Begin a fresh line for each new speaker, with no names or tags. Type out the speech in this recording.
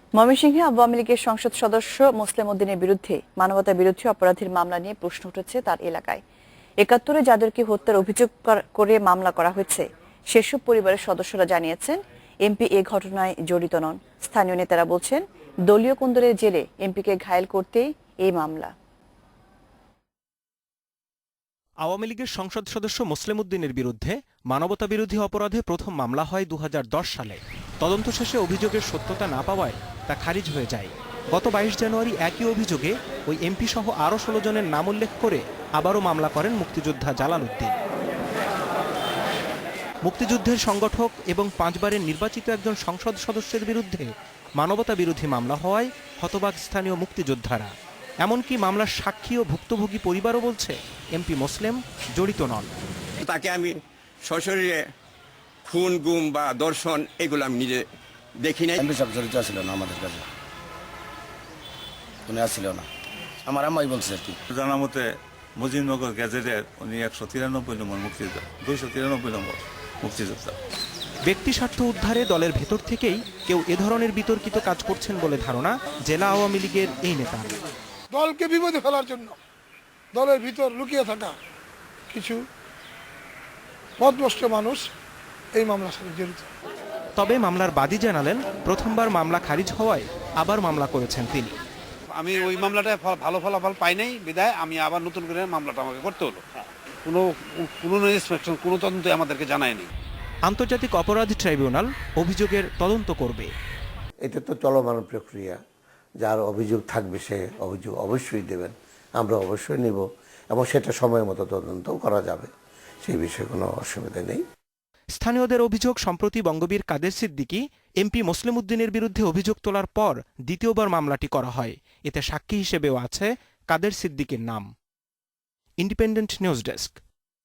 ময়মনসিংহে আওয়ামী লীগের সংসদ সদস্য মোসলেম উদ্দিনের বিরুদ্ধে মানবতা বিরোধী অপরাধের মামলা নিয়ে প্রশ্ন উঠেছে তার এলাকায়। ৭১-এ যাদেরকে হত্যার অভিযোগ করে মামলা করা হয়েছে সেসব পরিবারের সদস্যরা জানিয়েছেন এমপি এ ঘটনায় জড়িত নন। স্থানীয় নেতারা বলছেন দলীয় কোন্দলের জেরে এমপিকে ঘায়েল করতেই এই মামলা।
আওয়ামী লীগের সংসদ সদস্য মোসলেম উদ্দিনের বিরুদ্ধে মানবতা বিরোধী অপরাধে প্রথম মামলা হয় ২০১০ সালে। তদন্ত শেষে অভিযোগের সত্যতা না পাওয়ায় তা খারিজ হয়ে যায়। গত ২২ জানুয়ারি একই অভিযোগে ওই এমপি সহ আরও ১৬ জনের নাম উল্লেখ করে আবারও মামলা করেন মুক্তিযোদ্ধা জালাল উদ্দিন। মুক্তিযুদ্ধের সংগঠক এবং ৫ বারের নির্বাচিত একজন সংসদ সদস্যের বিরুদ্ধে মানবতা বিরোধী মামলা হওয়ায় হতবাক স্থানীয় মুক্তিযোদ্ধারা। এমনকি মামলার সাক্ষী ও ভুক্তভোগী পরিবারও বলছে এমপি মোসলেম জড়িত নন।
তাকে আমি সশরীরে খুন গুম বা দর্শন এগুলো আমি নিজে দেখি নাই।
এমপি সাহেব জড়িত ছিল না, আমাদের কাছে উনি আসছিল না, আমার আম্মাই বলছে আর কি।
জানা মতে মুজিবনগর গ্যাজেটের উনি ১৯৩ নম্বর মুক্তিযোদ্ধা, ২৯৩ নম্বর মুক্তিযোদ্ধা।
ব্যক্তি স্বার্থ উদ্ধারে দলের ভেতর থেকেই কেউ এ ধরনের বিতর্কিত কাজ করছেন বলে ধারণা জেলা আওয়ামী লীগের এই নেতা।
দলকে বিপদে ফেলার জন্য দলের ভিতর লুকিয়ে থাকা কিছু পথভ্রষ্ট মানুষ এই মামলার সাথে জড়িত।
তবে মামলার বাদী জানালেন প্রথমবার মামলা খারিজ হওয়ায় আবার মামলা করেছেন তিনি।
আমি ওই মামলাটায় ভালো ফলাফল পাই নাই বিদায় আমি আবার নতুন করে মামলাটা আমাকে করতে হলো। কোনো ইন্সপেকশন কোনো তদন্ত আমাদেরকে জানায়নি।
আন্তর্জাতিক অপরাধ ট্রাইব্যুনাল অভিযোগের তদন্ত করবে।
এটা তো চলমান প্রক্রিয়া, যার অভিযোগ থাকবে সে অভিযোগ অবশ্যই দেবেন, আমরা অবশ্যই নিব এবং সেটা সময় মতো তদন্তও করা যাবে, সেই বিষয়ে কোনো অসুবিধা নেই।
স্থানীয়দের অভিযোগ, সম্প্রতি বঙ্গবীর কাদের সিদ্দিকী এমপি মোসলেম উদ্দিনের বিরুদ্ধে অভিযোগ তোলার পর দ্বিতীয়বার মামলাটি করা হয়। এতে সাক্ষী হিসেবেও আছে কাদের সিদ্দিকীর নাম। Independent news desk.